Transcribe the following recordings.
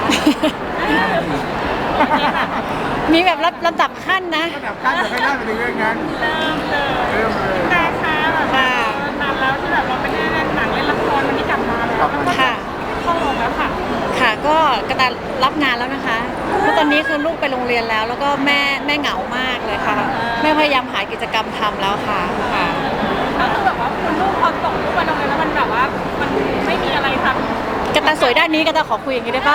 มีแบบลำดับขั้นนะระดับขั้นจะไม่ได้ไปถึงเรื่องนั้นเริ่มเลยแต่ค่ะแบบค่ะนานแล้วที่แบบเราไม่ได้เล่นหนังเล่นละครวันนี้กลับมาแล้วแล้วก็ค่ะเข้าโรงแล้วค่ะค่ะก็กระตายรับงานแล้วนะคะเพราะตอนนี้คือลูกไปโรงเรียนแล้ว แล้วก็แม่เหงามากเลยค่ะแม่พยายามหากิจกรรมทำแล้วค่ะค่ะก็คือแบบว่าคุณลูกพอส่งลูกไปโรงเรียนแล้วมันแบบว่ามันไม่มีอะไรทำกระตายสวยด้านนี้กระตายขอคุยอย่างนี้ได้ปะ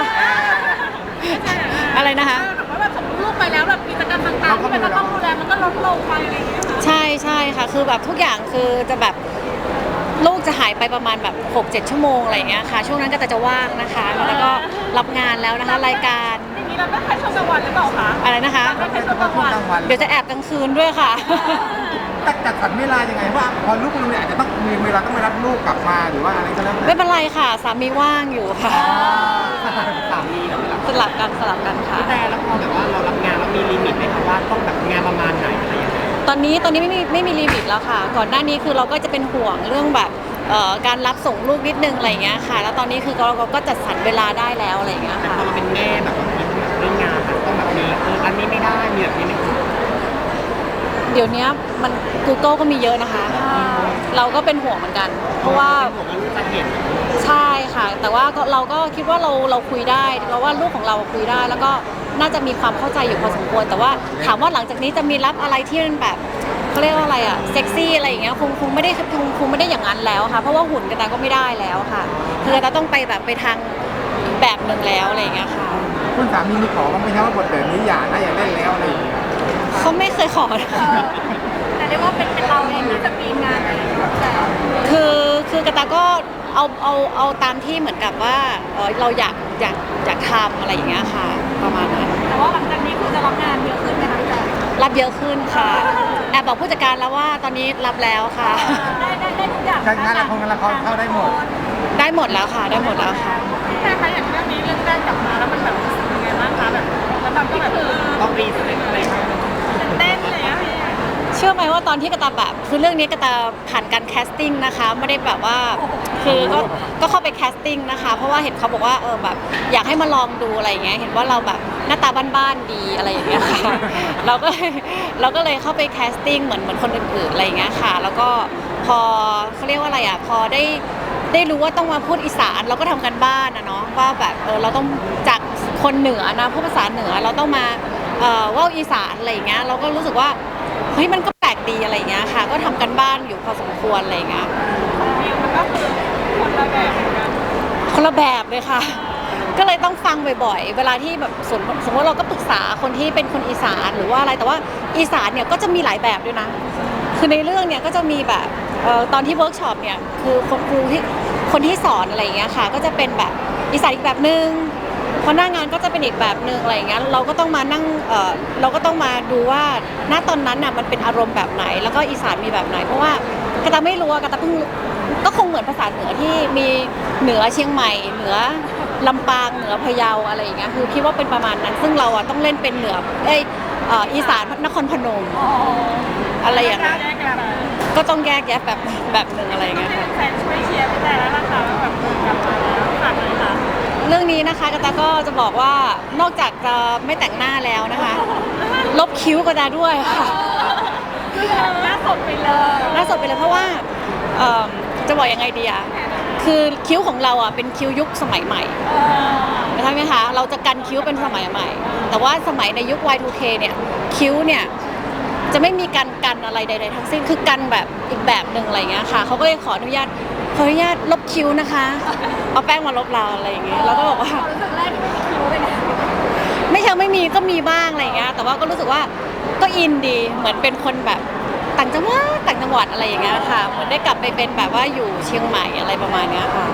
อะไรนะคะแบบว่าแบบส่งลูกไปแล้วแบบกิจกรรมต่างๆที่เป็นต้องดูแลมันก็ลดลงไปอะไรอย่างเงี้ยค่ะใช่ค่ะคือแบบทุกอย่างคือจะแบบลูกจะหายไปประมาณแบบ 6-7 ชั่วโมงอะไรอย่างเงี้ยค่ะช่วงนั้นก็จะว่างนะคะแล้วก็รับงานแล้วนะคะรายการอย่างนี้เราไม่ใช้ช่วงกลางวันหรือเปล่าคะอะไรนะคะไม่ใช้ช่วงกลางวันเดี๋ยวจะแอบกลางคืนด้วยค่ะแต่จัดสรรเวลายังไงว่าพอลูกไปโรงเรียนอาจจะต้องมีเวลาต้องไปรับลูกกลับมาหรือว่าอะไรก็แล้วแต่ไม่เป็นไรค่ะสามีว่างอยู่ค่ะสามีกับสลับกันค่ะแต่แล้วพอแบบว่าเรารับงานแล้วมีลิมิตไหมคะว่าต้องแบบงานประมาณไหนอะไรยังไงตอนนี้ไม่มีลิมิตแล้วค่ะ ก่อนหน้านี้คือเราก็จะเป็นห่วงเรื่องแบบการรับส่งลูกนิดนึงอะไรอย่างเงี้ยค่ะ แล้วตอนนี้คือเราก็จัดสรรเวลาได้แล้วอะไรอย่างเงี้ยแต่ค่ะพอเราเป็นแม่แบบว่าเรื่องงานมันต้องแบบมีอันนี้ไม่ได้มีแบบนี้ไม่ได้เดี๋ยวนี้มัน Google ก็มีเยอะนะคะ เราก็เป็นห่วงเหมือนกัน เพราะว่าเป็นห่วงว่าลูกจะเห็นใช่ค่ะ แต่ว่าเราก็คิดว่าเราคุยได้เราว่าลูกของเราคุยได้ แล้วก็น่าจะมีความเข้าใจอยู่พอสมควร แต่ว่าถามว่าหลังจากนี้จะมีรับอะไรที่มันแบบเขาเรียกว่าอะไรอะเซ็กซี่อะไรอย่างเงี้ยคงไม่ได้อย่างนั้นแล้วค่ะ เพราะว่าหุ่นกระตายก็ไม่ได้แล้วค่ะคือกระตายต้องไปแบบไปทางแบบหนึ่งแล้วอะไรอย่างเงี้ยค่ะคุณสามีมีขอบ้างไหมครับว่าบทแบบนี้อย่านะอย่าเล่นแล้วอะไรอย่างเงี้ยเขาไม่เคยขอนะคะแต่เรียกว่าเป็นเราเองที่จะมีงานอะไรอย่างเงี้ยแต่คือกระตายก็เอาตามที่เหมือนกับว่าเราอยากทำอะไรอย่างเงี้ยค่ะประมาณนั้นแต่ว่าหลังจากนี้คือจะรับงานเยอะขึ้นไหมคะพี่แต่รับเยอะขึ้นค่ะแอบบอกผู้จัดการแล้วว่าตอนนี้รับแล้วค่ะได้ทุกอย่างงานละครเข้าได้หมดได้หมดแล้วค่ะได้หมดแล้วค่ะแต่คะอย่างเรื่องนี้เรื่องแรกกลับมาแล้วมันแบบยังไงบ้างคะแบบแล้วมันก็แบบต้องรีเซ็ตอะไรไหมเต้นเลยอะพี่เชื่อไหมว่าตอนที่กระตาแบบคือเรื่องนี้กระตาผ่านการแคสติ้งนะคะไม่ได้แบบว่าคือก็เข้าไปแคสติ้งนะคะเพราะว่าเห็นเขาบอกว่าแบบอยากให้มาลองดูอะไรอย่างเงี้ยเห็นว่าเราแบบหน้าตาบ้านๆดีอะไรอย่างเงี้ยค่ะเราก็เลยเข้าไปแคสติ้งเหมือนคนอื่นๆอะไรอย่างเงี้ยค่ะแล้วก็พอเขาเรียกว่าอะไรอ่ะพอได้รู้ว่าต้องมาพูดอีสานเราก็ทำกันบ้านนะเนาะว่าแบบเราต้องจากคนเหนือนะพูดภาษาเหนือเราต้องมาว่าอีสานอะไรอย่างเงี้ยเราก็รู้สึกว่าเฮ้ยมันก็แปลกดีอะไรอย่างเงี้ยค่ะก็ทำกันบ้านอยู่พอสมควรอะไรอย่างเงี้ยวิวมันก็คือคนละแบบเหมือนกันคนละแบบเลยค่ะ ก็เลยต้องฟังบ่อยๆเวลาที่แบบสมมติเราก็ปรึกษาคนที่เป็นคนอีสานหรือว่าอะไรแต่ว่าอีสานเนี่ยก็จะมีหลายแบบด้วยนะคือในเรื่องเนี่ยก็จะมีแบบตอนที่เวิร์กช็อปเนี่ยคือคนที่สอนอะไรอย่างเงี้ยค่ะก็จะเป็นแบบอีสานอีกแบบนึงพอหน้างานก็จะเป็นอีกแบบนึงอะไรอย่างเงี้ยเราก็ต้องมานั่งเราก็ต้องมาดูว่าณตอนนั้นน่ะมันเป็นอารมณ์แบบไหน แล้วก็อีสานมีแบบไหนเพราะว่ากระตาไม่รู้กระตาเพิ่งก็คงเหมือนภาษาเหนือที่มีเหนือเชียงใหม่เหนือลำปางเหนือพะเยาอะไรอย่างเงี้ยคือคิดว่าเป็นประมาณนั้น ซึ่งเราต้องเล่นเป็นเหนืออีสานนครพนมอะไรอย่างเงี้ยแยกกันก็ต้องแยกแยะแบบหนึ่งอะไรอย่างต้อเงี้งยให้ค่ะแฟนช่วยเชียร์พี่แต่แล้วล่ะค่ะว่าแบบกลับมาแล้วฝากเลยค่ะเรื่องนี้นะคะกระตาก็จะบอกว่านอกจากจะไม่แต่งหน้าแล้วนะคะ ลบคิ้วกระตาด้วยค่ะหน้าสดไปเลยล่าสุดไปเลยเพราะว่าจะบอกยังไงดีอะคือคิ้วของเราอะเป็นคิ้วยุคสมัยใหม่ใช่ไหมคะเราจะกันคิ้วเป็นสมัยใหม่ แต่ว่าสมัยในยุค Y2K เนี่ยคิ้วเนี่ยจะไม่มีกันอะไรใดๆทั้งสิ้นคือกันแบบอีกแบบหนึ่งอะไรเงี้ยค่ะเขาก็เลยขออนุญาตลบคิ้วนะคะเอาแป้งมาลบเราอะไรอย่างเงี้ยเราก็บอกว่ารู้สึกแรกที่ไม่มีคิ้วเลยนะไม่ใช่ไม่มีก็มีบ้างอะไรอย่างเงี้ยแต่ว่าก็รู้สึกว่าก็อินดีเหมือนเป็นคนแบบต่างจังหวัดอะไรอย่างเงี้ยค่ะเหมือนได้กลับไปเป็นแบบว่าอยู่เชียงใหม่อะไรประมาณเนี้ยค่ะ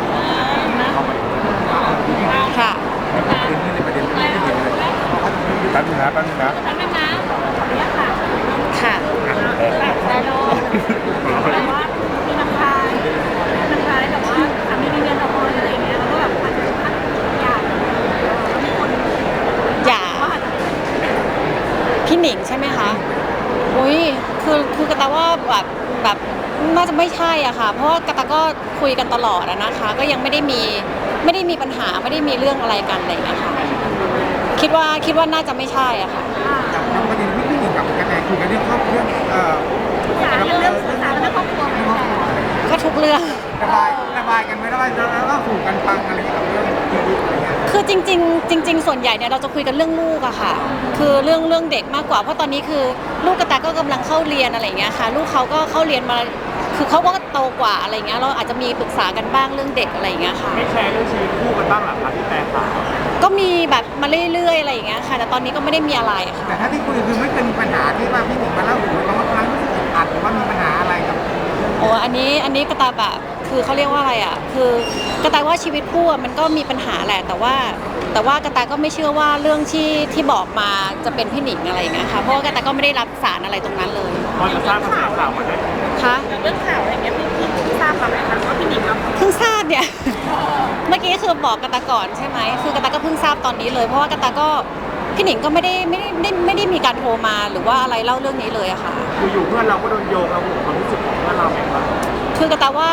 ค่ะประเด็นนี้เลยแป๊บนึงนะแล้วนะขออนุญาตค่ะค่ะแต่โลแต่ว่ามีน้ำพายแต่ว่าสามีมีเงินละครอะไรอย่างเงี้ยแล้วก็แบบอาจจะอยากมีคนอย่าว่าอาจจะพี่หนิงใช่ไหมคะอุ้ยคือกระตาว่าแบบน่าจะไม่ใช่อะค่ะเพราะว่ากระตาก็คุยกันตลอดอะนะคะก็ยังไม่ได้ไม่ได้มีปัญหาไม่ได้มีเรื่องอะไรกันอะไรอย่างเงี้ยค่ะคิดว่าน่าจะไม่ใช่อะค่ะจากประเด็นพี่หนิงกับกระแตคุยกันเรื่องครอบครัวสารเรื่องสื่อสารเรื่องครอบครัวไหมคะก็ทุกเรื่องระบายกันไม่ได้แล้วก็ถูกกันฟังอะไรอย่างเงี้ยกับเรื่องชีวิตอะไรเงี้ยคือจริงๆส่วนใหญ่เนี่ยเราจะคุยกันเรื่องลูกอะค่ะ คือเรื่องเด็กมากกว่าเพราะตอนนี้คือลูกกระแตก็กำลังเข้าเรียนอะไรอย่างเงี้ยค่ะ ลูกเขาก็เข้าเรียนมาคือเขาก็โตกว่าอะไรเงี้ยเราอาจจะมีปรึกษากันบ้างเรื่องเด็กอะไรอย่างเงี้ยค่ะไม่แชร์เรื่องชีวิตคู่กันบ้างหรอครับพี่แต่ค่ะก็มีแบบมาเรื่อยๆอะไรอย่างเงี้ยค่ะ แต่ตอนนี้ก็ไม่ได้มีอะไรค่ะแต่ถ้าที่คุยคือไม่เคยมีปัญหาที่ว่าพี่หนิงมาเล่าถึงว่าบางครั้งรู้สึกอึดอัดหรือว่ามีปัญหาอะไรกับโอ้อันนี้กระแตแบบคือเขาเรียกว่าอะไรอ่ะคือกระแตว่าชีวิตคู่อะมันก็มีปัญหาแหละแต่ว่ากระแตก็ไม่เชื่อว่าเรื่องที่บอกมาจะเป็นพี่หนิงอะไรอย่างเงี้ยค่ะเพราะว่ากระแตก็ไม่ได้รับสารอะไรตรงนั้นเลยพอจะทราบกระแสข่าวมาได้คะเรื่องข่าวอะไรเงี้ยพี่ทราบมาไหมคะว่าพี่หนิงเราเพิ่งทราบเนี่ย เมื่อกี้คือบอกกระแตก่อนใช่ไหมคือกระแตก็เพิ่งทราบตอนนี้เลยเพราะว่ากระแตก็พี่หนิงก็ไม่ได้มีการโทรมาหรือว่าอะไรเล่าเรื่องนี้เลยอะค่ะอยู่ๆเพื่อนเราก็โดนโยงเราห่วงความรู้สึกของเพื่อนเราไหมครับคือกระแตว่า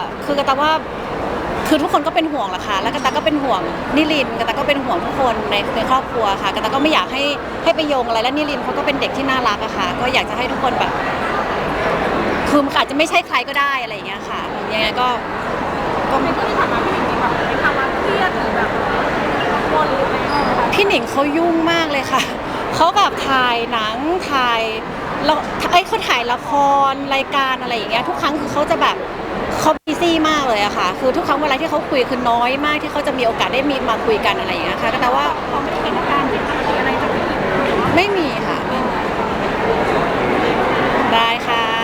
คือทุกคนก็เป็นห่วงแหละค่ะแล้วกระแตก็เป็นห่วงนิรินทร์กระแตก็เป็นห่วงทุกคนในครอบครัวค่ะกระแตก็ไม่อยากให้ไปโยงอะไรและนิรินทร์เขาก็เป็นเด็กที่น่ารักอะค่ะก็อยากจะให้ทุกคนแบบคือมันอาจจะไม่ใช่ใครก็ได้อะไรอย่างเงี้ยค่ะยังไงก็ในที่ผ่านมาพี่หนิงมีแบบในภาวะเครียดหรือแบบกังวลหรืออะไรไหมคะพี่หนิงเขายุ่งมากเลยค่ะเขาแบบถ่ายหนังถ่ายแล้วเขาถ่ายละครรายการอะไรอย่างเงี้ยทุกครั้งคือเขาจะแบบเขาบิซี่มากเลยอะค่ะคือทุกครั้งเวลาที่เขาคุยคือน้อยมากที่เขาจะมีโอกาสได้มีมาคุยกันอะไรอย่างเงี้ยค่ะแต่ว่าเราไม่ได้เห็นอาการผิดปกติอะไรจากพี่หนิงหรือว่าไม่มีค่ะ ได้ค่ะ